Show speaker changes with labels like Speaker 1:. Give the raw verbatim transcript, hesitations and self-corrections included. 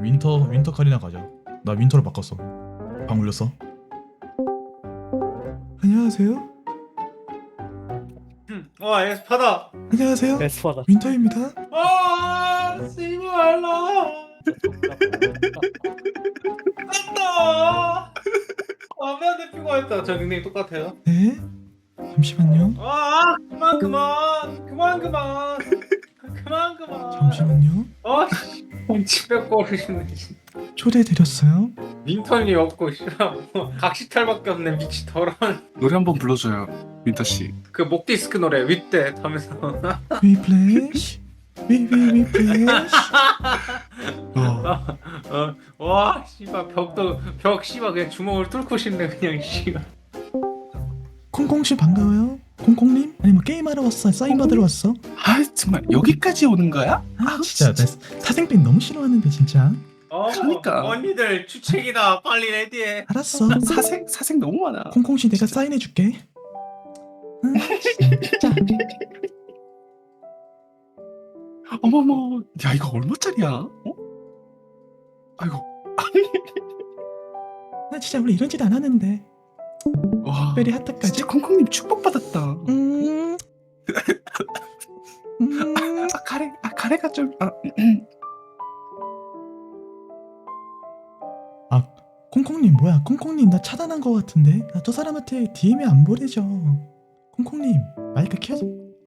Speaker 1: 윈터 윈터 카리나 가자. 나 윈터로 바꿨어. 방 울렸어. 안녕하세요.
Speaker 2: 와 에스파다.
Speaker 1: 안녕하세요.
Speaker 3: 에스파다.
Speaker 1: 윈터입니다.
Speaker 2: 아 씨발라. 았다. 아메한테 피고했다. 저 닉네임 똑같아요.
Speaker 1: 네. 잠시만요.
Speaker 2: 아 그만 그만 그만 그만 그만 그만.
Speaker 1: 잠시만요.
Speaker 2: 아씨 집백거리시네.
Speaker 1: 초대드렸어요.
Speaker 2: 윈턴이 없고 씨발 뭐 각시탈밖에 없네 미치 더러운.
Speaker 4: 노래 한번 불러줘요, 윈터 씨.
Speaker 2: 그 목디스크 노래 윗대 하면서.
Speaker 1: We flash. We we we flash.
Speaker 4: 어.
Speaker 2: 어, 와 씨발 벽도 벽 씨발 그냥 주먹을 뚫고 싶네 그냥 씨발.
Speaker 1: 콩콩씨 반가워요. 콩콩님? 아니 뭐 게임하러 왔어? 사인 받으러 왔어?
Speaker 4: 아 정말 여기까지 오는 거야?
Speaker 1: 아 진짜 나 사생팬 너무 싫어하는데 진짜.
Speaker 2: 어,
Speaker 4: 그러니까.
Speaker 2: 언니들 주책이다 빨리 레디해.
Speaker 1: 알았어.
Speaker 4: 사생 사생 너무 많아.
Speaker 1: 콩콩씨 내가 사인해줄게. 응, 진짜.
Speaker 4: 어머머, 야 이거 얼마짜리야? 어? 아이고,
Speaker 1: 나 진짜 원래 이런 짓 안 하는데.
Speaker 4: 와,
Speaker 1: 특별히 하트까지.
Speaker 4: 진짜 콩콩님 축복 받았다.
Speaker 1: 음. 음.
Speaker 4: 아 가래, 아 가래가 좀. 아,
Speaker 1: 아 콩콩님 뭐야? 콩콩님 나 차단한 거 같은데. 나 저 사람한테 디엠이 안 보내죠. 콩콩님 마이크 켜줘.